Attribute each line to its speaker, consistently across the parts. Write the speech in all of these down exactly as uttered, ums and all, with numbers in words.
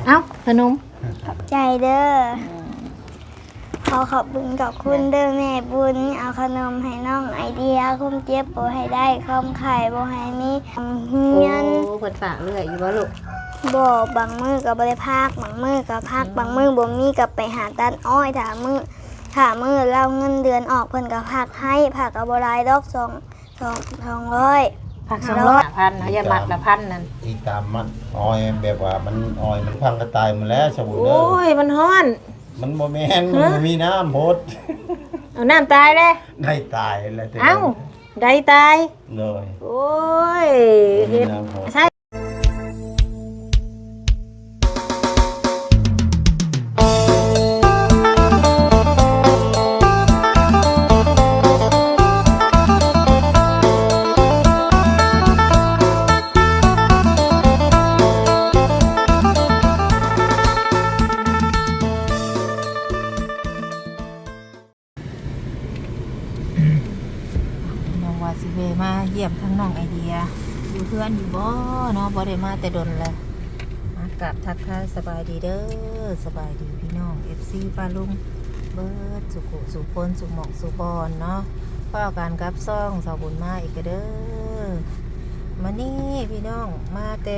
Speaker 1: เอ้าขนม
Speaker 2: ขอบใจเด้อขอขอบคุณขอบคุณเด้อแม่บุญเอาขนมให้น้องไอเดียคุ้มเจ็บบ่ให้ได้คอมไข่บ่ให้มีเงิน
Speaker 1: โอ้เพิ่นฝากเรื่อยอยู่บ่ลูก
Speaker 2: บ่บางมือก็บ่ได้พักบางมือก็พักบางมือบ่มีก็ไปหาตัดอ้อยถ้ามือถ้ามือเราเงินเดือนออกเพิ่นก็พักให้พักก็บ่หลายดอกสองสองสองร้อย
Speaker 1: พักสองร้อยพันเฮาอย่ามัดละพันนั่น
Speaker 3: อีตามมันออยแบบว่ามันออยมันพังกระตายหมดแล้วสมุนเด้อ
Speaker 1: โอ้ยมันฮ้อน
Speaker 3: มันบ่แม่นมันบ่มีน้ำโพด
Speaker 1: เอาน้ำตายเลย
Speaker 3: ได้ตายแล้ว
Speaker 1: เอ้าได้ตาย
Speaker 3: เลย
Speaker 1: โอ้ยเฮ็ดใช่สิเวมาเยี่ยมทั้งน้องไอเดียอยู่เพื่อนอยู่บ่เนาะบ่ได้มาแต่ดนเลยมากราบทักทายสบายดีเด้อสบายดีพี่น้อง เอฟ ซี ป้าลุงเบิดสุขุสุพลสุหมอกสุบอนเนาะพ่อการกับซ่องสาวบุญมาอีกเด้อมานี่พี่น้องมาแต่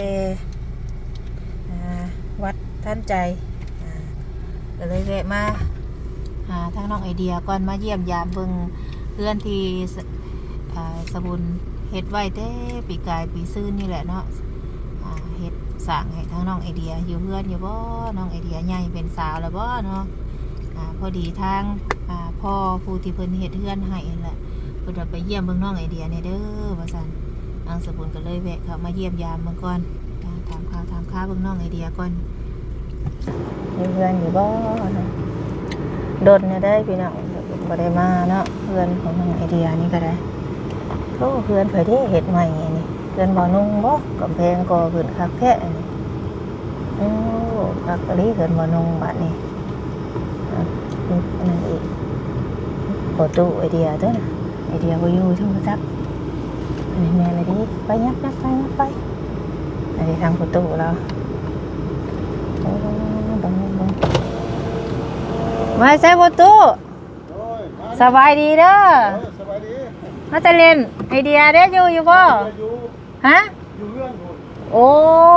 Speaker 1: วัดท่านใจก็เลยแวะมาหาทั้งน้องไอเดียก่อนมาเยี่ยมยามเบิ่งเพื่อนที่สบุนเฮ็ดไว้แต่ปีกายปีซื่นนี่แหละเนาะเฮ็ดสร้างให้ทั้งน้องไอเดียอยู่เพื่อนอยู่บ่น้องไอเดียใหญ่เป็นสาวแล้วบ่เนาะพอดีทางพ่อผู้ที่เพิ่นเฮ็ดเพื่อนให้นั่นแหละเพิ่นไปเยี่ยมเบิ่งน้องไอเดียนี่เด้อว่าซั่นนางสบุนก็เลยแวะเข้ามาเยี่ยมยามเบิ่งก่อนถามข่าวถามข่าวเบิ่งน้องไอเดียก่อนอยู่เพื่อนอยู่บ่โดนเนี่ยได้พี่น้องบ่ได้มาเนาะเพื่อนของน้องไอเดียนี่ก็ได้โอ้เพื่อนเผยได้เห็ดใหม่นี่เพื่อนบ่อนุ่งบ่กำแพงก่อขึ้นคักแท้นี่โอ้คักกะลีเพื่อนบ่อนุ่งบัดนี้นี่นั่นอีกโอตู้ไอเดียตัวน่ะไอเดียบ่อยู่ช่างซักอันนี้แม่เลยดิไปยับยับไปยับไปอันนี้ทางประตูเราโอ้บังบังมาใส่ประตูสบายดีเด้อมาแต่เล่นไอเดียเด้อยู่อยู่บ่ฮะอยู่เรื่องโอ้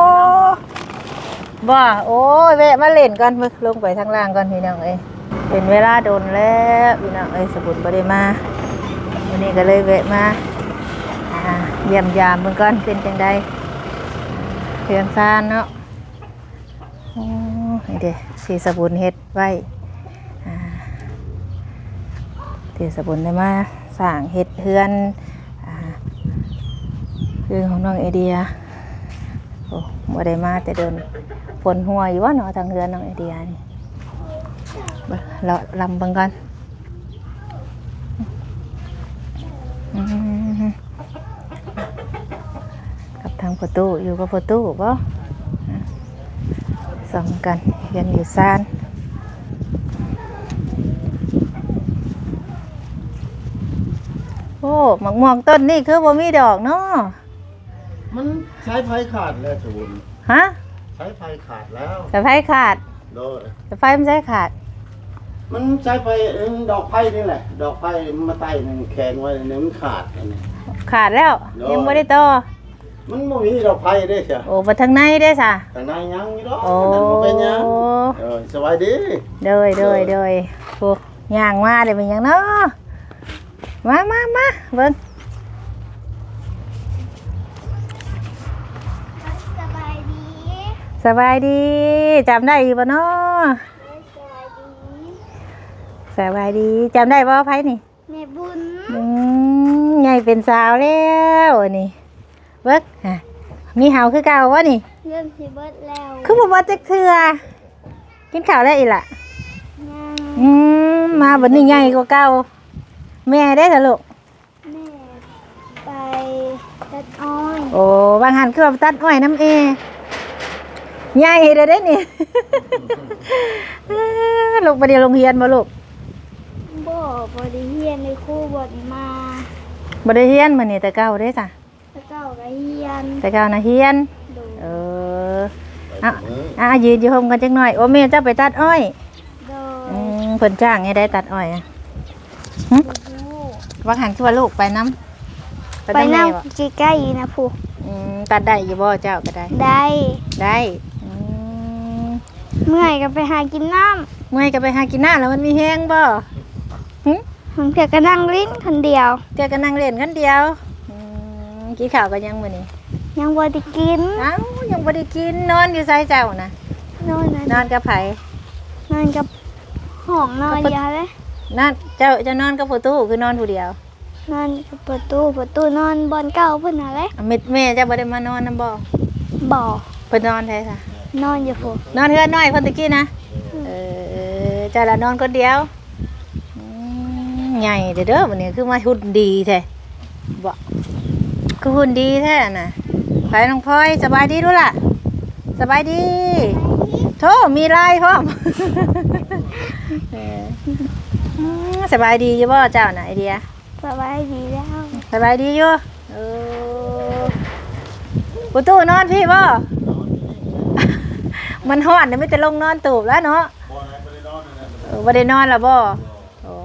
Speaker 1: บ่โอ้ยแวะมาเล่นก่อนมึกลงไปทางล่างก่อนพี่น้องเอ้ยเป็นเวลาโดนแล้วพี่น้องเอ้ยสบุญบ่ได้มาวันนี้ก็เลยแวะมาเยี่ยมยามเบิ่งก่อนเป็นจังได๋เฮือนซ่านเนาะโอ้นี่เด้สิสบุญเฮ็ดไว้อ่าที่สบุญได้มาสร้างเฮ็ดเฮือนเฮือนของน้องไอเดียโอ้บ่ได้มาแต่เดินฝนหัวอยู่ว่าเนาะทางเฮือนน้องไอเดียนี่เราลำเบิ่งกันกับทางประตูอยู่กับประตูบ่ส่องกันเฮือนอยู่ซ่านโอ้หมากม่วงต้นนี่คือบ่มีดอกเนาะ
Speaker 3: มันใช้ไฟขาดแล้วจูน
Speaker 1: ฮะ
Speaker 3: ใช้ไฟขาดแล้ว
Speaker 1: แต่ไฟขาด
Speaker 3: โดย
Speaker 1: แต่ไฟมันใช้ขาด
Speaker 3: มันใช้ไฟดอกไฟนี่แหละดอกไฟมาไต่หนึ่งแขนไว้เนี่ยมันขาดอันนี้
Speaker 1: ขาดแล้วยังไม่ได้ต่อ
Speaker 3: มันบ่มีดอกไฟได้เชียว
Speaker 1: โอ้มาทางในได้ซะ
Speaker 3: ทางในยังอยู่ดอกนั่นบ่เป็นยังเออสบายดี
Speaker 1: เด้อเด้อเด้อพวกย่างมาได้เป็นหยังเนาะมามามาเบิ่ง
Speaker 2: สบายดี
Speaker 1: สบายดีจำได้อยู่บ่เนาะสบายดีจำได้บ่ไผนี่
Speaker 2: แม่บุญ
Speaker 1: อืมใหญ่เป็นสาวแล้วนี่เบิ่งฮะมีเห่าคือเก่าบ่นี่
Speaker 2: เริ่มสิเบิดแล้ว
Speaker 1: คือบ่บ่จักเทื่อกินข้าวแล้วอีหล่ะอืมมาบัดนี้ใหญ่กว่าเก่าแม่ได้ซะลูก
Speaker 2: แม่ไปตัดอ้อย
Speaker 1: โอ้บางหันคือว่าตัดอ้อยน้ำเอใหญ่เด้อเด้นี่ ลูกบ่ได้โรงเรียนบ่ลูก
Speaker 2: บ่บ่ได้เรียนเลยครูบ่ได้มา
Speaker 1: บ่ได้เรียนมื้อนี้แต่เก่าเด้จ้ะ
Speaker 2: แต่เก่าก็เรียน
Speaker 1: แต่เก่าน่ะเรียนเออ
Speaker 3: ไป
Speaker 1: อ่ะอ่ะยืนอยู่ห่มกันจังหน่อยโอ้แม่เจ้าไปตัดอ้อย
Speaker 2: โดย
Speaker 1: อืมเพิ่นจ้างให้ได้ตัดอ้อยอะหึว่าหันคือว่าลูกไปน้ำ
Speaker 2: ไปนั่ง
Speaker 1: บ่
Speaker 2: ใกล้ๆนะผู้
Speaker 1: อืมตัดได้อยู่บ่เจ้าก็ได้
Speaker 2: ได้
Speaker 1: ได้อืม
Speaker 2: เมื่อยก็ไปหากินน้
Speaker 1: เมื่อยก็ไปหากินน้ำแล้วมันมีแห้งบ่หึ
Speaker 2: ำผมเพียงก็นั่งลิ้นคนเดียว
Speaker 1: เจ้าก็นั่งเล่นกันเดียวอืมกินข้าวกันยังมื้อนี้
Speaker 2: ยังบ่ได้กิน
Speaker 1: เอ้ายังบ่ได้กินนอนอยู่ไสเจ้านะ
Speaker 2: นอนนะ
Speaker 1: นอนกับไผ
Speaker 2: นอนกับห้องนอนเดียวเลย
Speaker 1: นอนเจ้าจะนอนกับผู้ตู้คือนอนผู้เดียวน
Speaker 2: อนกับประตูประตูนอนบอนเก่าเพิ่นน่ะเลย
Speaker 1: อ่ะแม่แม่เจ้าบ่ได้มานอนนำบ่
Speaker 2: บ่
Speaker 1: เพิ่นนอนแท้ซะ
Speaker 2: นอนอยู่ผู้
Speaker 1: นอนเฮือนน้อยเพิ่นตะกี้นะเออเจ้าละนอนคนเดียวอืมใหญ่เด้อเด้อบัดนี้คือมาหุ่นดีแท้บ่คือหุ่นดีแท้น่ะไปน้องพลอยสบายดีดูล่ะสบายดีโธ่มีลายพร้อม เอออืมสบายดีอยู่บ่เจ้าน่ะไอเดีย
Speaker 2: สบายดีแล้ว
Speaker 1: สบายดีอยู่เออประตูนอนพี่บ่ มันฮ้อนเดี๋ยวไม่จะลงนอนตูบแล้วเนาะเออบ่ได้นอนแล้วบ่โอ้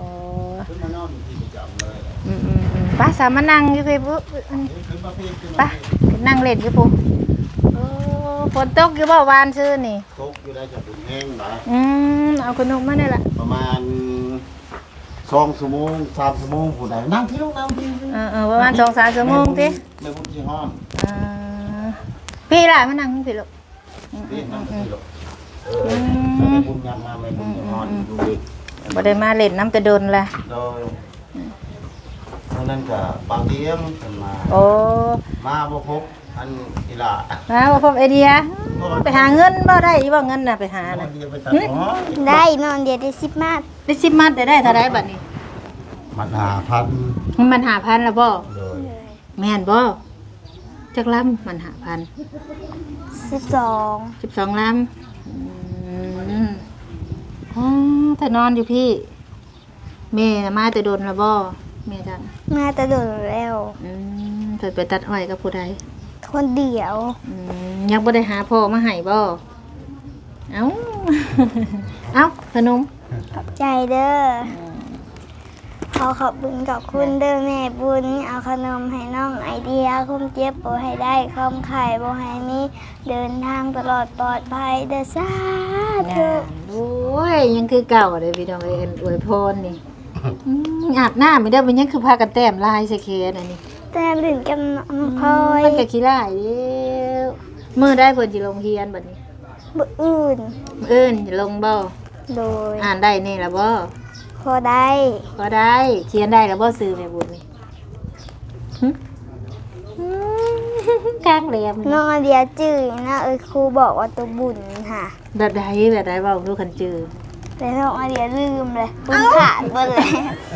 Speaker 1: อืมอืมอืมไป้าสามานั่งอยู่พี่ปุ๊ไป้านั่งเล่นอยู่ปุ๊โอ้ฝนตกอยู่บ่วานซื่อนี่
Speaker 3: ตกอยู่ได้จะเป็นแห้งนะ
Speaker 1: อืมเอาขนมมาได้ละ
Speaker 3: ประมาณสองชั่วโมงสามชั่วโมงผู้ใดนั่งที่ลูกนั่งที่
Speaker 1: เออเออประมาณสองสามชั่วโมงติ
Speaker 3: ไม่พูดที่ห้อง
Speaker 1: อ่าพี่ล่ะมานั่งพี่ลูก
Speaker 3: ที่นั่งที่ลูกเออไม่พูดยำมาไม่พูดที่ห้องดูดิ
Speaker 1: บ่ได้มาเล่นน้ำกระดนละ
Speaker 3: โดยเพราะนั้นก็บางเทียมขึ้นมา
Speaker 1: โอ้
Speaker 3: มาบ่พบอันอีหล่า
Speaker 1: มาบ่พบไอเดียไปหาเงินบ่ได้อีบ่เงินน่ะไปหาน่ะ
Speaker 3: เดียวไปตัดหอ
Speaker 2: ได้นอนเดียวได้สิบมาท
Speaker 1: ได้สิบมัดได้ได้เท่าไรบัดนี้
Speaker 3: มันหาพัน
Speaker 1: มันหาพันละบ่
Speaker 3: เลย
Speaker 1: แม่นบ่จักลำมันหาพัน
Speaker 2: สิบสอง
Speaker 1: สิบสองลำอืมอ๋อแต่นอนอยู่พี่แม่น่ะมาแต่โดนละบ่แม่จัง
Speaker 2: มาแตะโดดแล้ว
Speaker 1: อืมเพิ่นไปตัดอ้อยกับผู้ใด
Speaker 2: คนเดียว
Speaker 1: อืมยังบ่ได้หาพ่อมาให้บ่เอ้า เอ้าขนม
Speaker 2: ขอบใจเด้อขอขอบคุณขอบคุณเด้อแม่บุญเอาขนมให้น้องไอเดียคุ้มเจ็บบ่ให้ได้คอมไข่บ่ให้มีเดินทางตลอดปลอดภัยเด้อสาธุ
Speaker 1: โอ้ยยังคือเก่าเลยพี่น้องเอ้ยอวยพรนี่อืมอาบน้ำไม่ได้มันยังคือพากันแต้มลายใส่เคสอันนี้
Speaker 2: แต่ลื่นกับน้องพลอย
Speaker 1: มันก็ขี้ร้ายเด้อมื้อได้เพิ่นสิลงเรียนบัดนี้
Speaker 2: บ่อื่น
Speaker 1: มื้ออื่นสิลงบ่
Speaker 2: โดย
Speaker 1: อ่านได้นี่ล่ะบ่
Speaker 2: พอได้
Speaker 1: ก็ได้เขียนได้แล้วบ่ซื้อแม่บุญนี่หึอืมกลางแหลม
Speaker 2: น้องไอเดียจื้อนะเอ้ยครูบอกว่าตัวบุญค่ะ
Speaker 1: แบบใดแบบใดเว้าดูคันจือ
Speaker 2: แต่น้องไอเดียลืมเลยบุญขาดเบิดเลย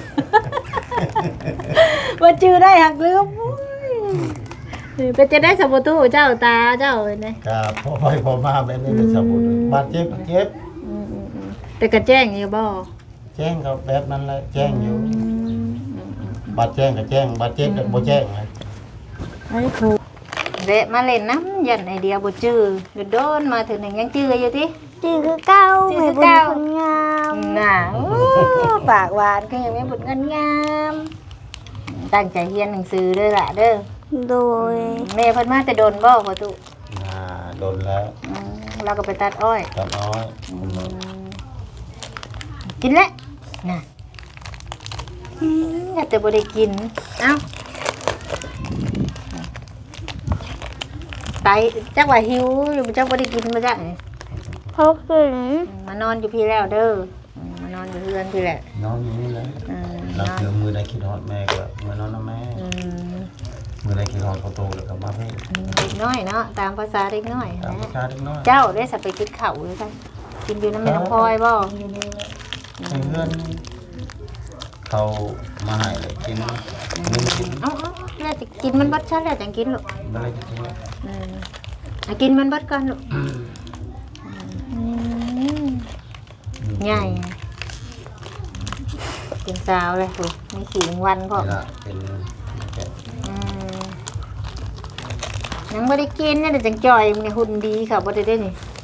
Speaker 1: ว่าจือได้หักลืมโอ้ยเป็นจะได้สมบูตู้เจ้าตาเจ้าเห็นไหม
Speaker 3: ก็พอไปพอมาแบบนี้เป็นสมุนบาดเจ็บเจ็บ
Speaker 1: อืมอืมอืมแต่กระแจ้งอยู่บ่
Speaker 3: แจ้งเขาแบบนั้นแหละแจ้งอยู่บาดแจ้งก็แจ้งบาดเจ็บก็บ่แจ้งเลย
Speaker 1: ไอ้ครูเดะมาเล่นน้ำยันไอเดียบ่จือโดนมาถึงหนึ่งยังจืออยู่ติ
Speaker 2: จื้อคือเก้า
Speaker 1: จื้อคือ
Speaker 2: แม่บุญ
Speaker 1: เก้า
Speaker 2: คนงาม
Speaker 1: น่ะโอ้ปากหวานก็ยังไม่บุญเงินงามตั้งใจเรียนหนังสือเด้อล่ะเด้อ
Speaker 2: โดย
Speaker 1: แม่เพิ่นมาแต่โดนบ่พ่อตุ
Speaker 3: อ่าโดนแล้ว
Speaker 1: อืมเราก็ไปตัดอ้อย
Speaker 3: ตาน้อย
Speaker 1: กินแล้วน่ะอืมแต่บ่ได้กินเอ้าไตจักว่าหิวอยู่จักบ่ได้กินมาจักนี่
Speaker 2: เขาขึ้น
Speaker 1: มานอนอยู่พี่แล้วเด้ออืมมานอนอยู่เพื่อนพี่แหละ
Speaker 3: นอนอยู่นี่แหละ
Speaker 1: อืม
Speaker 3: เราเจอมือได้คิดฮอดแม่ก็มือนอนนะแม่
Speaker 1: อืม
Speaker 3: มือได้คิดฮอดเขาโตแล้วก็มาให้
Speaker 1: เด็กน้อยเนาะตามภาษาเด็กน้อย
Speaker 3: ตาม
Speaker 1: นะ
Speaker 3: ประชาเล็กน้อย
Speaker 1: เจ้าได้สับไปกินข้าวหรือไงกินอยู่น้ำแม่น้ำพลอยบ่
Speaker 3: ให้เพื่อนเขามาให้เลยกินมึงกิน
Speaker 1: เอ้าเอ้าแล้วจะกินมันเบัดชาแล้วจังกินลูก
Speaker 3: อะไรจะกิน
Speaker 1: อืมอ่ะกินมันเบัดก่อนลูกอืมใหญ่กินสาวเลยลูกมีสีวันพอ
Speaker 3: นี่ละเป็นแกะ
Speaker 1: อืมยังไม่ได้กินเนี่ยเดี๋ยวจังจ่อยมันหุ่นดีค่ะบ่ได้ได้นี่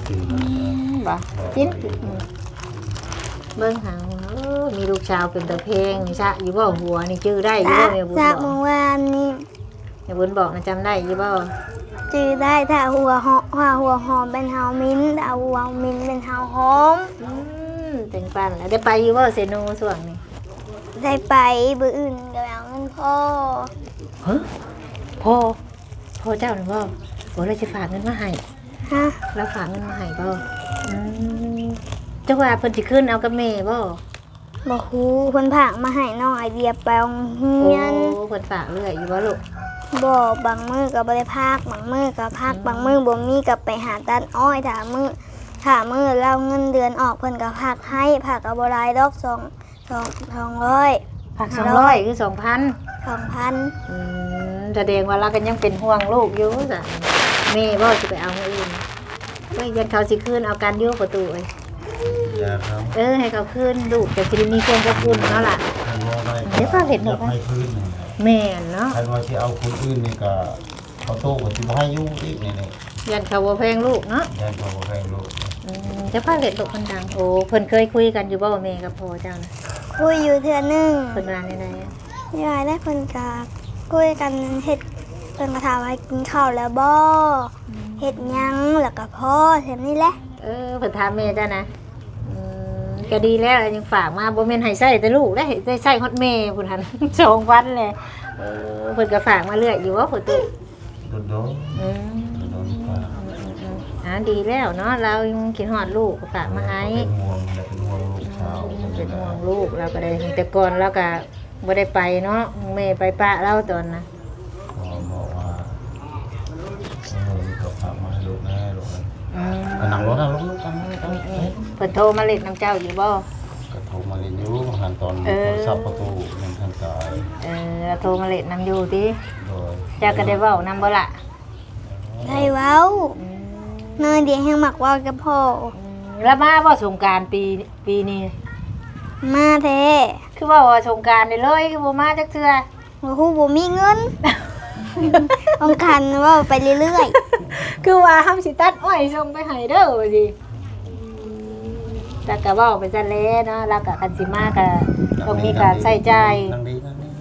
Speaker 3: ตื่น
Speaker 1: บ่กินเบิ่งหาเออมีลูกชาวเป็นตะเพงนี่ซะอยู่บ่หัวนี่ชื่อได้อยู่บ่แม่บุญ
Speaker 2: จาก
Speaker 1: บอ
Speaker 2: เมื่
Speaker 1: ก
Speaker 2: อวานนี้
Speaker 1: แม่บุญบอกนะจำได้อยู่บ่
Speaker 2: จือได้ถ้าหัวหอมถ้าหัวหอมเป็นเฮามิ้นถ้าหัวมิ้นเป็นเฮาหอม
Speaker 1: อืมเป็นปันแล้วได้ไปอยู่บ่เซโนช่วงนี้
Speaker 2: ได้ไปบื้ออื่นก็เอาเงินพ่อ
Speaker 1: ฮะพ่อพ่อเจ้าหรือบ่บ่เลยสิฝากเงินมาให้
Speaker 2: ฮะ
Speaker 1: แล้วฝากเงินมาให้บ่อืมจังว่าเพิ่นสิขึ้นเอากับแม่บ่
Speaker 2: บอกฮู้เพิ่นผากมาให้น้องไอเดียไปโรงเรี
Speaker 1: โอ้
Speaker 2: ยน
Speaker 1: เพิ่นฝากเรื่อยอยู่บ่ลูก
Speaker 2: บอกบางมือก็บ่ได้พากบางมือก็พากบางมือบ่มีก็ไปหาตัดอ้อยถ้ามือถ้ามือเราเงินเดือนออกเพิ่นก็พากให้พากก็บ่หลายดอกสองสองสองร้อย
Speaker 1: ฝากสองร้อยคือสองพัน
Speaker 2: สองพัน
Speaker 1: อืมแสดงว่าเราก็ยังเป็นห่วงลูกอยู่จ้ะแม่บ่สิไปเอาเงินอื่นไม่ยันเขาสิคืนเอากันอยู่ประตูเอ้ย
Speaker 3: ยาครับ
Speaker 1: เออให้เขาคืนลูกแต่สิได้มีเครื่องกระพุ่นเนาะล่ะ
Speaker 3: ใครว่าได้
Speaker 1: เดี๋ยวพ่อเห็นหนู
Speaker 3: อยาก
Speaker 1: ปะ
Speaker 3: ให้พื้นนี่
Speaker 1: แม่นเนาะ
Speaker 3: ใครว่าที่เอาคนอื่นนี่ก็เขาโตกว่าที่บ่ให้อยู่อีกนี่นี่
Speaker 1: ยันเขาบ่แพงลูกเนาะ
Speaker 3: ยันเขาบ่ให้ลูก
Speaker 1: อืมเจ้าพ่อเห็นลูกคนดังโอ้เพิ่นเคยคุยกันอยู่บ่ว่าแม่กับพ่อเจ้านะ
Speaker 2: คุยอยู่เทื่อหนึง
Speaker 1: เพิ่นว่าแนว
Speaker 2: ยายได้เพิ่นก็คุยกันเฮ็ดเพิ่นก็ถามว่ากินข้าวแล้วบ่เฮ็ดหยังแล้วก็พ่อแถมนี้แหละ
Speaker 1: ๆเออเพิ่นถามแม่เจ้านะอืมก็ดีแล้วยังฝากมาบ่แม่นให้ใช้แต่ลูกได้ได้ใช้ฮอดแม่พุ่นหั่น สองวันเลยเออเพิ่นก็ฝากมาเรื่อยอยู่ว่าประตู
Speaker 3: โดนโดน
Speaker 1: อืม
Speaker 3: โดนฟ้า
Speaker 1: อ่าดีแล้วเนาะเรายังคิดฮอดลูกก็ฝากมาให้
Speaker 3: เป็นห่วงเป็นห่วงลูกสาว
Speaker 1: เป็นห่วงลูกเราก็ได้แต่ก่อนเราก็บ่ได้ไปเนาะแม่ไปปะเราตอนนะ
Speaker 3: ขอบอกว่าเออเขาฝากมาให้ลูกแน่ลูกนะ
Speaker 1: อืม
Speaker 3: อันนั่งรถนั่งรถลูกกัน
Speaker 1: อืมอืมเพิ่นโทรมาเล่นน้ำเจ้าอยู่บ่
Speaker 3: ก็โทรมาเรียนอยู่หันตอน
Speaker 1: เออ
Speaker 3: โทรศัพท์ประตูมันทางซ้าย
Speaker 1: เออโทรมาเล่นน้ำอยู่ติ
Speaker 3: โดย
Speaker 1: เจ้าก็ได้เว้านำบ่ล่ะ
Speaker 2: ได้เว้า
Speaker 1: อืม
Speaker 2: เนยเดียวให้มักเว้ากับพ่อ
Speaker 1: อืมแล้วมาบ่สงกรานต์ปีปีนี้
Speaker 2: มาแท้
Speaker 1: คือว่าว่าสงกรานต์ได้เลยคือบ่มาจักเทื่อ
Speaker 2: บ่ฮู้บ่มีเงิน ต้องคันเว่าไปเรื่อย
Speaker 1: คือว่าห้ามสิตัดอ้อยส่งไปให้เด้อว่าสิแต่ก็เว้าไปซะแล้วเนาะแล้วก็คันสิมาก็ต้องมีการใช้จ่าย
Speaker 3: นั่งดีนั่งดี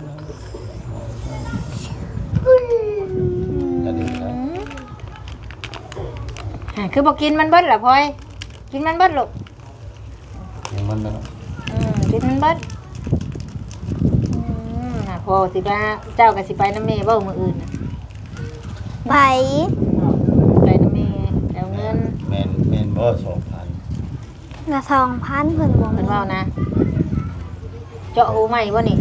Speaker 3: นั่งดีนะ
Speaker 1: อ่าคือบอกกินมันเบิดเหรอพลอยกินมันเบิดลูก
Speaker 3: ยังมันนะ
Speaker 1: อืมกินมันเบิดอืมน่ะพอสิบ้าเจ้ากับสิไปน้ำเมย์บ่มืออื่นน่ะ
Speaker 2: ๆไป
Speaker 1: ไปน้ำเมย์แล้วเงิน
Speaker 3: แมนแมนบ่สองพัน
Speaker 2: ละสองพันเพิ่นบ่
Speaker 1: เพิ่นเว้านะ เจาะหูใหม่บ่นี่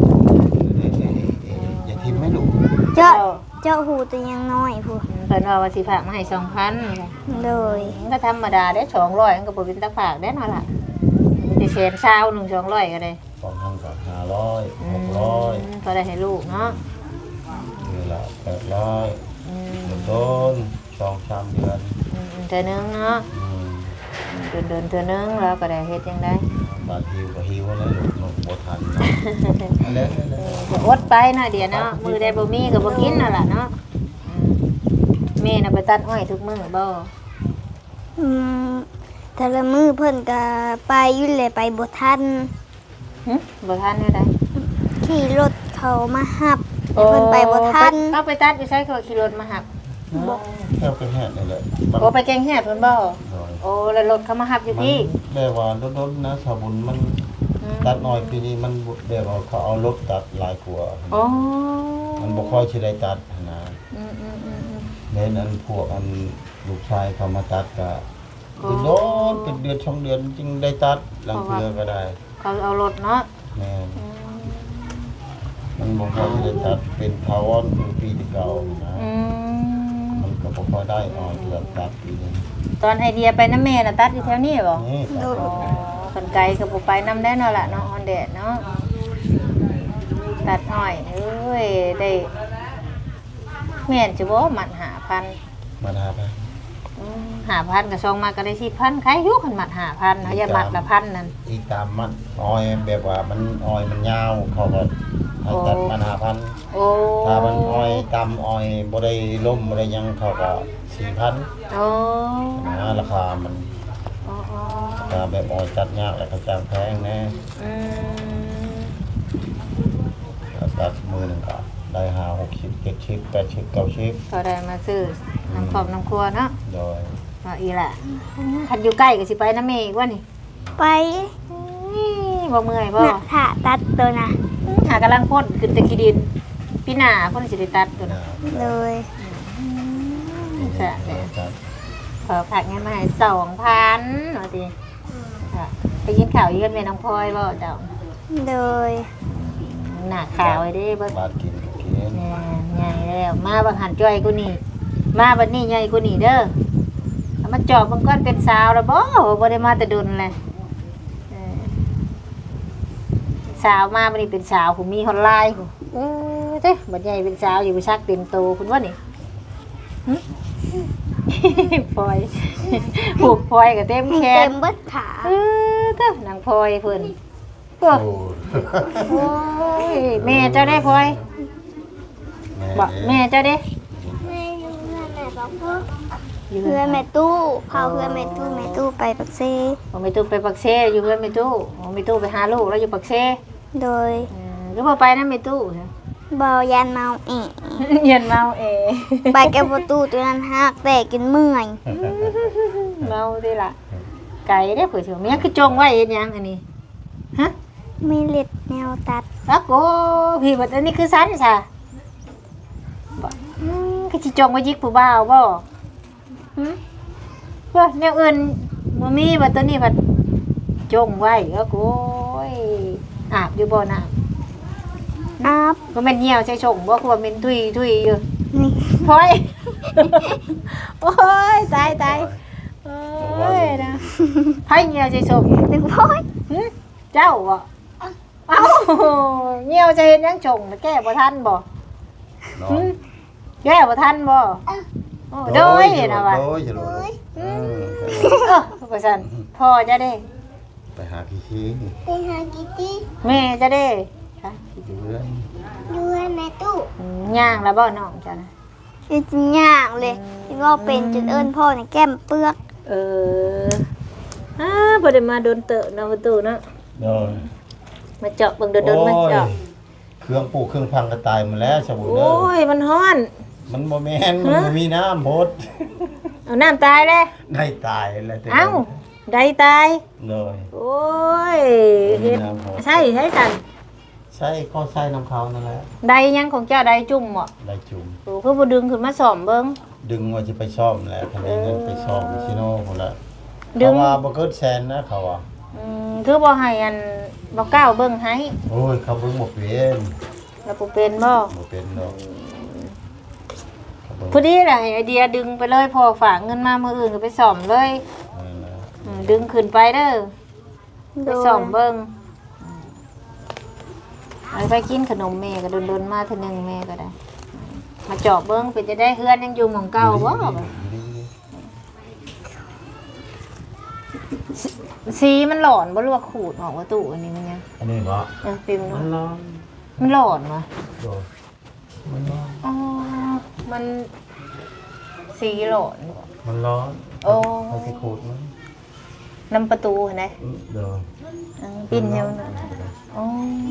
Speaker 3: อย่าทิมไม่ดุ
Speaker 2: เจ้าเจ้าหูแต่ยังน้อยผู้
Speaker 1: อืมเพิ่นว่าว่าสิฝากมาให้สองพัน
Speaker 2: เลย
Speaker 1: มันก็ธรรมดาได้สองร้อยมันก็บ่เป็นตาฝากได้เนาะล่ะมันจะแสนเช้าหนึ่งสองร้อยก็ได้
Speaker 3: สองพันกับห้าร้อย
Speaker 1: อื
Speaker 3: ห
Speaker 1: ม
Speaker 3: กร้อย
Speaker 1: ก็ได้ให้ลูกเนาะ
Speaker 3: เดือนละแปดร้อย
Speaker 1: อืม
Speaker 3: เดือนต้นสองสามเดือน
Speaker 1: อืมเทื่อนึงเนาะ
Speaker 3: อืม
Speaker 1: เดินเดินเทื่อนึงแล้วก็ได้เฮ็ดจังได๋
Speaker 3: บางทีก็หิวแล้วลูกนกบ่ทันนะอันนี้อันนี้
Speaker 1: ก็อดไปเนาะเดี๋ยวเนาะมือได้บ่มีก็บ่กินนั่นล่ะเนาะอืมแม่น่ะไปตัดอ้อยทุกมื้อบ่
Speaker 2: อืมแต่ละมือเพิ่นก็ไปอยู่เลยไปบ่ทัน
Speaker 1: หึบ่ทันแนวใด
Speaker 2: ขี่รถเขามาหับแต่เพิ่นไปบ่ทัน
Speaker 1: เอาไปตัดอยู่ใช้เขาขี่รถมาหับ
Speaker 3: แค่เป็นแห่นี่แหละ
Speaker 1: โอ้ไปแกงแฮดเพิ่นบ่
Speaker 3: โดย
Speaker 1: โอ้แล้วรถเขามาหับอยู่พี่
Speaker 3: มันแบบว่าโดนๆนะสาบุญมัน
Speaker 1: อืม
Speaker 3: ตัดน้อยปีนี้มันแบบว่าเขาเอารถตัดหลายกว่า
Speaker 1: โอ้
Speaker 3: มันบ่ค่อยสิได้ตัดนะ
Speaker 1: อืมอืมอืมอืม
Speaker 3: เล่นอันพวกอันลูกชายเขามาตัดก็
Speaker 1: อ๋อ
Speaker 3: โดนเป็นเดือนสองเดือนจึงได้ตัดหลังเทือก็ได้
Speaker 1: เขาเอารถเนาะ
Speaker 3: แม่น
Speaker 1: อืม
Speaker 3: มันบ่ค่อยสิได้ตัดเป็นทาวอนคือปีที่เก่านะ
Speaker 1: อืม
Speaker 3: มันก็บ่ค่อยได้อ่อนเกือบตัดปีนึง
Speaker 1: ตอนไอเดียไปน้ำแม่น่ะตัดอยู่แถวนี้บ่
Speaker 3: นี่ตัด
Speaker 1: อ๋อคนไกลก็บ่ไปน้ำได้เนาะล่ะเนาะออนแดดเนาะตัดอ้อยเอ้ยได้แม่นจะบ่มันหาพัน
Speaker 3: มาหาไป
Speaker 1: หาพันกับซองมาก็ได้สิพันใครอยุคันมัดหาพันเขาอย่ามัดละพันนั่น
Speaker 3: อีกตามมันอ้อยแบบว่ามันอ้อยมันยาวเขาก็ให้ตัดมันหาพัน
Speaker 1: โอ้
Speaker 3: ถ้ามันอ้อยตามอ้อยบ่ได้ล่มบ่ได้หยังเขาก็สิสี่พัน
Speaker 1: โอ้
Speaker 3: นะราคามัน
Speaker 1: อ๋อ
Speaker 3: ราคาแบบออยจัดยากแล้วก็จ้างแพงแน่
Speaker 1: ๆอืม
Speaker 3: ตัดมือหนึ่งก็ได้ห้าหกสิบเจ็ดสิบแปดสิบเก้าสิบ
Speaker 1: ก็ได้มาซื้อน้ำครอบน้ำครัวเนาะ
Speaker 3: โดย
Speaker 1: ว่าอีล่ะคันอยู่ใกล้ก็สิไปน้ำเมย์อีกว่านี่
Speaker 2: ไป
Speaker 1: อี้บ่เมื่อยบ่
Speaker 2: น่ะถ้าตัดตัวนะ
Speaker 1: หากำลังพ่นขึ้นแตะขี้ดินพี่หน้าพ่นสิได้ตัดตัว
Speaker 3: นะ
Speaker 1: น่ะ
Speaker 2: เลย
Speaker 1: แซ่บแหละ
Speaker 3: ครับ
Speaker 1: ขอผักเงินมาให้สองพันว่าติค่ะไปกินข้าวยืนแม่น้องพลอยบ่เจ้า
Speaker 2: เลย
Speaker 1: หน้าขาวไว้เด้เบิ่ง
Speaker 3: บาทกินก็กิน
Speaker 1: แม่ใหญ่แล้วมาบังหันจ้อยกูนี่มาบัดนี้ใหญ่กูนี่เด้อเอามาจอบมันก่อนเป็นสาวแล้วบ่บ่ได้มาแต่ดุนเลยเออสาวมาบัดนี้เป็นสาวผมมีฮอตไลน์ผมเออเด้บัดใหญ่เป็นสาวอยู่บ่ชักเต็มโตคุณว่านี่หึ พลอยผูกพลอยกับเต็มแข
Speaker 2: เต็
Speaker 1: น
Speaker 2: มเบิดขา
Speaker 1: เออเด้อนางพลอยเพิ่นโอ้
Speaker 3: โอ้
Speaker 1: ยแม่เจ้าได้พลอยบอกแม่เจ้าได้
Speaker 2: แม่อยู่เพื่อนแม่บอกพ่อ
Speaker 1: อยู่
Speaker 2: เพื่อนแม่ตู้พาเพื่อนแม่ตู้แม่ตู้ไปปักเซ
Speaker 1: ผมไปตู้ไปปักเซอยู่เพื่อนไปตู้ผมไปตู้ไปหาลูกแล้วอยู่ปักเซ
Speaker 2: โดย
Speaker 1: เออก็บ่ไปนะไปตู้
Speaker 2: เบายันเมาเอะ
Speaker 1: เย็นเมาเอ
Speaker 2: ไปแก้ประตูตัวนั้นหักแต่กินเมื่อย
Speaker 1: เมาดิล่ะไก่ได้เผื่อเชื่อเมียคือจงไว้เฮ็ดหยังอันนี้ฮะ
Speaker 2: มีเล็ดแนวตัด
Speaker 1: อักโกพี่บัดอันนี้คือสันซะบ่อืมคือสิจงไว้ยิกผู้บ่าวบ่หึว่าแนวอื่นบ่มีบัดตัวนี้บัดจงไว้อักโกยอาบอยู่บ่น้ำ
Speaker 2: อัพ
Speaker 1: บ่แม่นเหี่ยวใส่ชงบ่คือว่าแม่นทุยทุยอยู่
Speaker 2: นี่
Speaker 1: พลอย โอ้ยตายตายโอ้ยนะไผเหี่ยวใส่ชง
Speaker 2: หนึ่งพ่อย
Speaker 1: หึเจ้าบ่เอ้าเหี่ยวจะเฮ็ดหยังชงแก้บ่ทันบ่
Speaker 3: เนาะ
Speaker 1: หึแก้บ่ทันบ่โอ้โดยนะว่า
Speaker 3: โดยโดยเออ
Speaker 1: เออว่าซั่นพ่อจะได้
Speaker 3: ไปหาขี้ขี้
Speaker 2: ไปหากิตี้
Speaker 1: แม่จะได้ค่ะ
Speaker 3: เดือน
Speaker 2: ด้วยแม่ตู้
Speaker 1: อืมย่างแล้วบ่น้องจ้ะนะ
Speaker 2: คือจริงย่างเลยที่ว่าเป็นจนเอิ้นพ่อในแก้มเปลือก
Speaker 1: เอออ่าบ่ได้มาโดนเตอะเนาะประตูเนาะ
Speaker 3: โดย
Speaker 1: มาเจาะเบิ่งโดนๆมาเจาะ
Speaker 3: เครื่องปลูกเครื่องพังก็ตายหมดแล้วสมุน
Speaker 1: โอ
Speaker 3: เด้อ้
Speaker 1: ยมันฮ้อน
Speaker 3: มันบ่แม่นมันบ่มีน้ำพด
Speaker 1: เอาน้ำตายเลย
Speaker 3: ได้ตายแล้วแต่
Speaker 1: เอ้าได้ตาย
Speaker 3: เลย
Speaker 1: โอ้ยเฮ็ดใช่ใช่สัน
Speaker 3: ใช่ก็ใช่น้ำเขานั่นแหละ
Speaker 1: ได้ยังของเจ้าได้จุ่มบ่
Speaker 3: ได้จุ่ม
Speaker 1: โอ้คือบ่ดึงขึ้นมาซ่อมเบิ่ง
Speaker 3: ดึงว่าจะไปซ่อมแหล้วคันนี้เงินไปซ่อมชิโน่พุ่นละ
Speaker 1: ดึ
Speaker 3: เขา
Speaker 1: ง
Speaker 3: ว่าบ่เกินแสนนะเขาว่า
Speaker 1: อืมคือบ่ให้อันบ่ก้าวเบิ่งให้
Speaker 3: โอ้ยเขาเบิ่งบ่เป็น
Speaker 1: แล้วบ่เป็นบ่
Speaker 3: บ่เป็นดอกเขาเบิ่ง
Speaker 1: พอดีแหละไอเดียดึงไปเลยพอฝากเงินมามื้ออื่นก็ไปซ่อมเลย
Speaker 3: นั่นแหละ
Speaker 1: อืมดึงขึ้นไปเด้อ
Speaker 2: โด
Speaker 1: ไป
Speaker 2: ย
Speaker 1: ซ่อมเบิ่งไอ้ไปกินขนมแม่ก็โดนๆมาเทีนึงแม่ก็ได้ มาเจาะเบิ้งเป็นจะได้เฮือนยังอยู่หมองเก่าบ่สีมันหลอนบ่รู้ว่าขูดออกว่าตู้อันนี้มันยัง
Speaker 3: อันนี้บ่
Speaker 1: เออเป็น
Speaker 3: มันร้อน
Speaker 1: มันหลอนวะ
Speaker 3: โดดมันร้อน
Speaker 1: อ๋อมันสีหลอนบ่
Speaker 3: มันร้อน
Speaker 1: โอ้
Speaker 3: เขาสิขูดมัน
Speaker 1: น้ำประตูเห็นไหม
Speaker 3: เด้อ
Speaker 1: เออปิ้นเดียวนะอ๋อ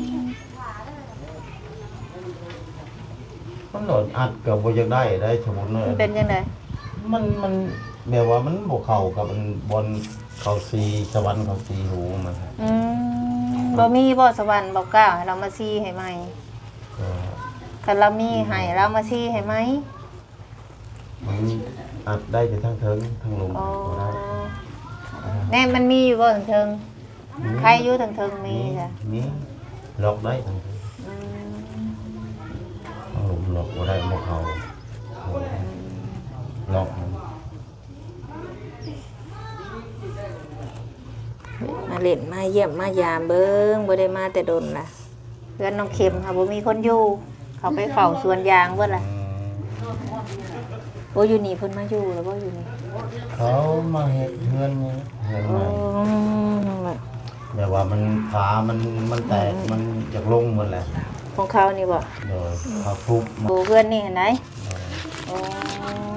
Speaker 3: มันโดนอัดก็บ่อยากได้ได้สมมุติเนาะ
Speaker 1: มันเป็นยังไง
Speaker 3: มันมันแบบว่ามันบ่เข้ากับมันบนเขาสีสวรรค์เขาสีหูมัน
Speaker 1: อืมบ่มีบ่สวรรค์บ่กล้าให้เรามาซีให้ไหม
Speaker 3: ก็
Speaker 1: คันเรามีให้เรามาซีให้ไหม
Speaker 3: มันอัดได้แต่ทั้งเทิงทั้งลม
Speaker 1: อ๋อ
Speaker 3: ก็ได้
Speaker 1: แน่มันมีอยู่บ่ถึงเทิงใครอยู่ถึงเทิงมีจ้ะ
Speaker 3: มีล็อกได้ทั้งเทิง
Speaker 1: อืม
Speaker 3: ทั้งลมล็อกบ่ได้บ่เข้าล็อกมัน
Speaker 1: มาเล่นมาเยี่ยมมายามเบิ่งบ่ได้มาแต่ดนล่ะเพื่อนน้องเข็มค่ะบ่มีคนอยู่เขาไปเฝ้าสวนยางเบิดล่ะ
Speaker 3: อืม
Speaker 1: โอ้อยู่นี่เพิ่นมาอยู่แล้วบ่อยู่นี่
Speaker 3: เขามาเฮ็ดเฮือนนี่เฮือน
Speaker 1: โอ้
Speaker 3: ใหม่แบบว่ามันขามันมันแตกมันอยากลงหมดแหละ
Speaker 1: ของเขานี่บ่
Speaker 3: โดยเขาทุบมา
Speaker 1: โอ้เพื่อนนี่เห็นไหมโอ้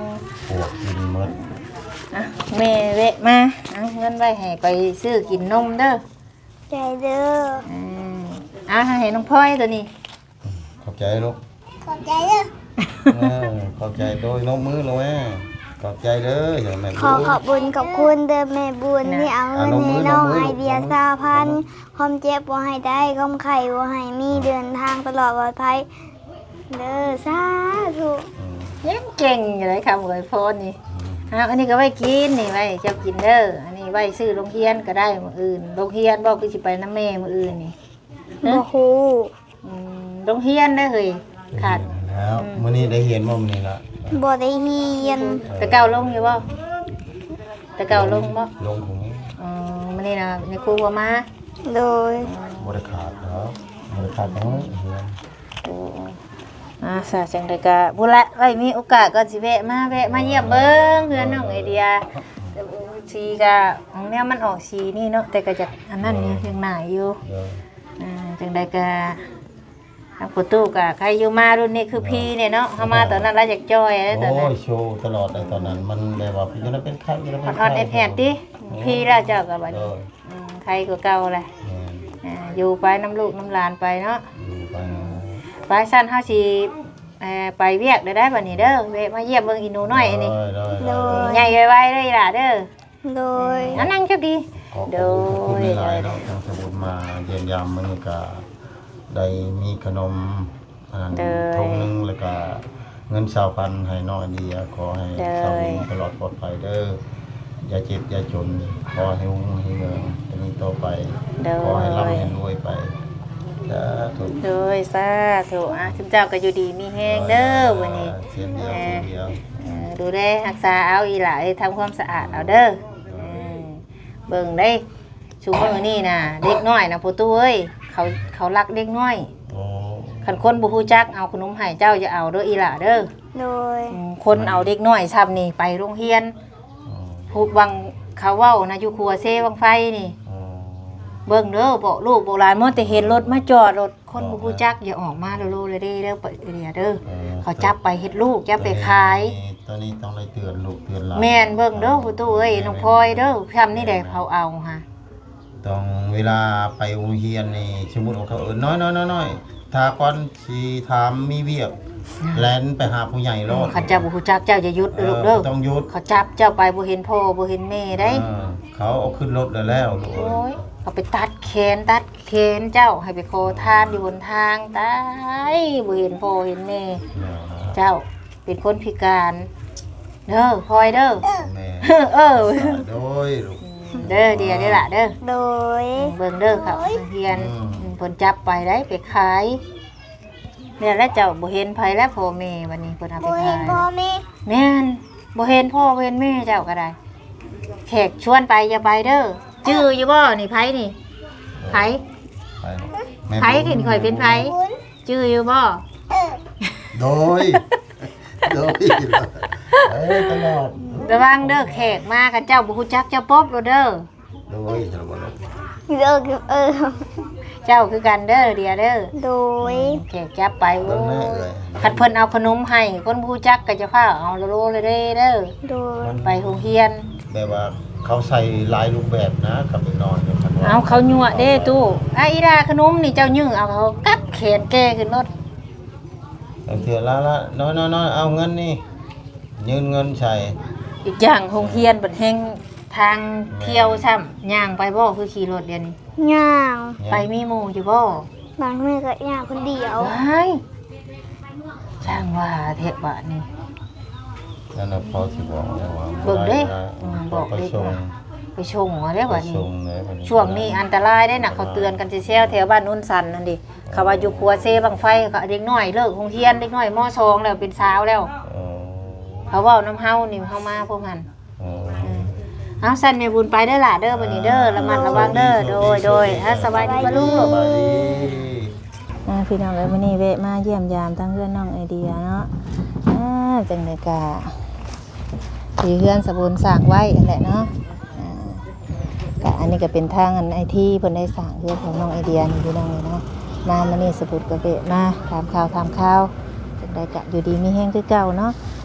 Speaker 3: ปวกกินหมด
Speaker 1: อ่ะแม่เวะมาเอาเงินไว้ให้ไปซื้อกินนมเด้อ
Speaker 2: ใจเด้อ
Speaker 1: อืมเอาให้น้องพลอยตัวนี้
Speaker 3: ขอบใจลูก
Speaker 2: ขอบใจเด้อ
Speaker 3: เออขอบใจโดยนกมือเลยแม่ขอบใจเด้ออย่างแม่
Speaker 2: ขอขอบบุญขอบคุณเด้อแม่บุญที่เอาเงินให้น้องไอเดียสาพันความเจ็บบ่ให้ได้ความไข้บ่ให้มีเดินทางตลอดปลอดภัยเด้อสาธุ
Speaker 1: ยังเก่งอยู่เลยคำอวยพรนี่เอาอันนี้ก็ไว้กินนี่ไว้เจ้ากินเด้ออันนี้ไว้ซื้อโรงเรียนก็ได้มื้ออื่นโรงเรียนบ่คือสิไปนำแม่มื้ออื่นนี่
Speaker 2: บ่ฮู้
Speaker 1: อืมโรงเรียนเด้อเฮ้ยขาด
Speaker 3: แล้วมื้อนี้ได้เห็นบ่มื้อนี้ละ
Speaker 2: บ่ได้เฮียน
Speaker 1: แต่เก่าลงอยู่บ่แต่เก่าลงบ่
Speaker 3: ลงถุง
Speaker 1: อ๋อมื้อนี้นะในครูบ่มา
Speaker 2: โดย
Speaker 3: บ่ได้ขาดแล้วบ่ได้ขาดน้อยเฮือน
Speaker 1: โอ้อ่าซะจังได๋ก็พุ่นละไว้มีโอกาสก็สิแวะมาแวะมาเยี่ยมเบิ่งเพื่อนน้องไอเดียสีก็ของแนวมันออกสีนี่เนาะแต่ก็จะอันนั้นนี่ยังหน้าอยู่
Speaker 3: เด้อ
Speaker 1: อ่าจังได๋ก็ทางประตูก็ใครอยู่มารุ่นนี้คือพี่เนี่ยเนาะเฮามาตอนนั้นเราอยากจอยเด้อตอน
Speaker 3: โอ้
Speaker 1: นั้น
Speaker 3: ยโชว์ตลอดเลยตอนนั้นมันแบบว่าอยู่นั้นเป็นไข้อยู่นั้น
Speaker 1: อ
Speaker 3: เป็น
Speaker 1: อนๆแอดๆติพี่แล้วเจ้าก็บัด
Speaker 3: เอ
Speaker 1: นี้
Speaker 3: อ
Speaker 1: อืมใครก็เก่าแหละ
Speaker 3: แม่น
Speaker 1: อ่าอยู่ไปน้ำลูกน้ำหลานไปเนาะ
Speaker 3: อยู่ไป
Speaker 1: ไปสั้นเฮาสิเอ่อไปเวียกได้ได้บัดนี้เด้อแวะมาเยี่ยมเบิ่งอีหนูน้อยอันนี้
Speaker 3: ได้
Speaker 2: โด
Speaker 3: ได้
Speaker 2: ย
Speaker 1: ใหญ่ไวๆเลยล่ะเด้อ
Speaker 2: โดย
Speaker 1: อันนั่งจับดี
Speaker 3: ขอบคุณหลายๆเนาะทางสมุนมาเยี่ยมยามมื้อนี้ก็ได้มีขนมอันนั้นทงหนึงแล้วก็เงินสามพันให้น้อยดีขอให้สามีตลอดปลอดภัยเด้ออย่าเจ็บอย่าจนขอให้รุ่งให้เรืองอันนี้ต่อไป
Speaker 1: เด้อ
Speaker 3: ขอให้ร่ำให้รวยไปสาธุ
Speaker 1: โดยสาธุอ่ะทุกเจ้าก็อยู่ดีมีแฮงเด้อวันนี้
Speaker 3: เสียเดียวเสียเดียว
Speaker 1: เอ่อดูแลรักษาเอาอีหล่ะเอ้ยทำความสะอาดเอาเด้อเออเบิ่งได้ชุมมื้อนี้น่ะเด็กน้อยน่ะพ่อตู้เอ้ยเขาเขารักเด็กน้อย
Speaker 3: โอ้
Speaker 1: คันคนบ่ฮู้จักเอาขนมให้เจ้าจะเอาเด้ออีหล่ะเด้อ
Speaker 2: โดย
Speaker 1: อืมคนเอาเด็กน้อยซ้ำนี่ไปโรงเรียนผูกวังเขาเว้านะอยู่ครัวเซวังไฟนี่ เบิ่งเด้อบอกลูกบอกหลานมื้อแต่เห็นรถมาจอดรถคนบ่ฮู้จักอย่าออกมาโลๆเลยเด้เด้อไปเด้อเด้อเขาจับไปเฮ็ดลูกจับไปขาย
Speaker 3: ตอนนี้ต้องได้เตือนลูกเตือนหลาน
Speaker 1: แม่นเบิ่งเด้อผู้ตู้เอ้ยน้องพลอยเด้อทำนี่ได้เผาเอาฮะ
Speaker 3: ต้องเวลาไปโรงเรียนนี่สมมุติว่าเขาเอิ้นน้อยๆๆๆถ้าก่อนสิถามมีเวียกแล่นไปหาผู้ใหญ่รอด
Speaker 1: เขาเจ้าบ่ฮู้จักเจ้าอย่าหยุดเด้อลูกเด้อ
Speaker 3: ต้องหยุด
Speaker 1: เขาจับเจ้าไปบ่เห็นพ่อบ่เห็นแม่ได้
Speaker 3: เออเขาเอาขึ้นรถแล้วแล้วลูกเอ้
Speaker 1: โอ้
Speaker 3: ย
Speaker 1: ยเขาไปตัดแขนตัดแขนเจ้าให้ไปขอทานอยู่บนทางตายบ่เห็นพ่อเห็นแม่
Speaker 3: เนี่ยนะ
Speaker 1: เจ้าเป็นคนพิการเด้อพลอยเด้อ
Speaker 3: แม่
Speaker 1: เออ
Speaker 3: โดยลูก
Speaker 1: เด้อเดียวเด้อล่ะเด้อ
Speaker 2: โดย
Speaker 1: เบิ่งเด้อครับเฮียน
Speaker 3: อืม
Speaker 1: เพิ่นจับไปได้ไปขายเนี่ยแล้วเจ้าบ่เห็นไผแล้วพ่อแม่วันนี้เพิ่นเอาไป
Speaker 2: บ่
Speaker 1: ขา
Speaker 2: เห็น
Speaker 1: ย
Speaker 2: พ่อแม่
Speaker 1: แม่นบ่เห็นพ่อบ่เห็นแม่เจ้าก็ได้แขกชวนไปอย่าไปเด้อชื่ออยู่บ่นี่ไผนี่ไผ
Speaker 3: ไปลูกแม่
Speaker 1: ไผขึ้นข่อยเป็นไผชื่ออยู่บ่
Speaker 3: โดยโดยเอ้ยตลอด
Speaker 1: ระวังเด้อแขกมากันเจ้าบ่ฮู้จักเจ้าป๊อบโลดเด้อ
Speaker 3: โดยตลอด
Speaker 2: เด้อคือเออ
Speaker 1: เจ้าคือกันเด้อเดียวเด้อ
Speaker 2: โดย
Speaker 1: แขกจับไปโอ้
Speaker 3: เบิ่งแม่
Speaker 1: ย
Speaker 3: เอ้ย
Speaker 1: คัดเพิ่นเอาขนมให้คนบ่ฮู้จักก็จะพาเอาโลๆเลยเด้อเด้อ
Speaker 2: โดย
Speaker 1: ไปโรงเรียน
Speaker 3: แบบว่าเขาใส่หลายรูปแบบนะกับไปนอนกับคันว่า
Speaker 1: เอาเขายั่วเด้ตู้ไอ้อีดาขนมนี่เจ้ายื้อเอาเขากัดแขนแกขึ้นรถ
Speaker 3: บางเทื่อละละน้อยๆๆเอาเงินนี่ยืนเงินใส่
Speaker 1: อีกอย่างโรงเรียนบัดแห่งทางเที่ยวซ้ำย่างไปบ่คือขี่รถเดี๋ยวนี้
Speaker 2: ย่าง
Speaker 1: ไปมีหมู่อยู่บ่
Speaker 2: บางมื้อก็ย่างคนเดียว
Speaker 1: ว้ายช่างว่าเทะบาดนี่
Speaker 3: นั่นน่ะพอสิบอกแล้วว่า
Speaker 1: เบิ่งเด้
Speaker 3: ได้
Speaker 1: อืมบอก
Speaker 3: ไป
Speaker 1: เด้
Speaker 3: ส่ง
Speaker 1: ไปชงเอาเด้อ
Speaker 3: ไป
Speaker 1: บัดนี้
Speaker 3: ส่งเลยบัด
Speaker 1: ช่วงนี้อันตรายได้น่ะเขาเตือนกันแซวๆแถวบ้านนุ่นสันนั่นดิเขาว่าอยู่ครัวเซบังไฟเขาเด็กน้อยเลิกโรงเรียนเด็กน้อยมอสองแล้วเป็นสาวแล้ว
Speaker 3: อ๋อ
Speaker 1: เขาเว้าน้ำเฮานี่เฮามาพวกมัน
Speaker 3: อ๋อ
Speaker 1: เอาสั่นแม่บุญไปเด้อล่ะเด้อบัดนี้เด้อระมัดระวังเด้อโดยโดยฮะสบายดีบ่ลูก
Speaker 3: สบายดี
Speaker 1: อ่าพี่น้องเอ้ยมื้อนี้แวะมาเยี่ยมยามทั้งเพื่อนน้องไอเดียเนาะอ่าจังได๋กะที่เฮือนสบุญสร้างไว้นั่นแหละเนาะอ่ากะอันนี้ก็เป็นทางอันไอทีเพิ่นได้สร้างเฮือนของน้องไอเดียนี่พี่น้องเอ้ยเนาะมามื้อนี้สบุญก็แวะมาถามข่าวถามข่าวจังได๋กะอยู่ดีมีแฮงคือเก่าเนาะ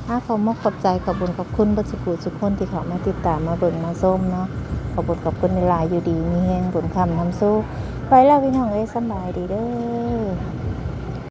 Speaker 1: ถ้าเขามาขอบใจขอบบุญขอบคุณบัสกุทุกคนที่เขามาติดตามมาเบิ่งมาส้มเนาะขอบบุญขอบคุณในหลายอยู่ดีมีแห้งบุญคำน้ำสู้ไปแล้วพี่น้องเอ้ยสบายดีเด้อ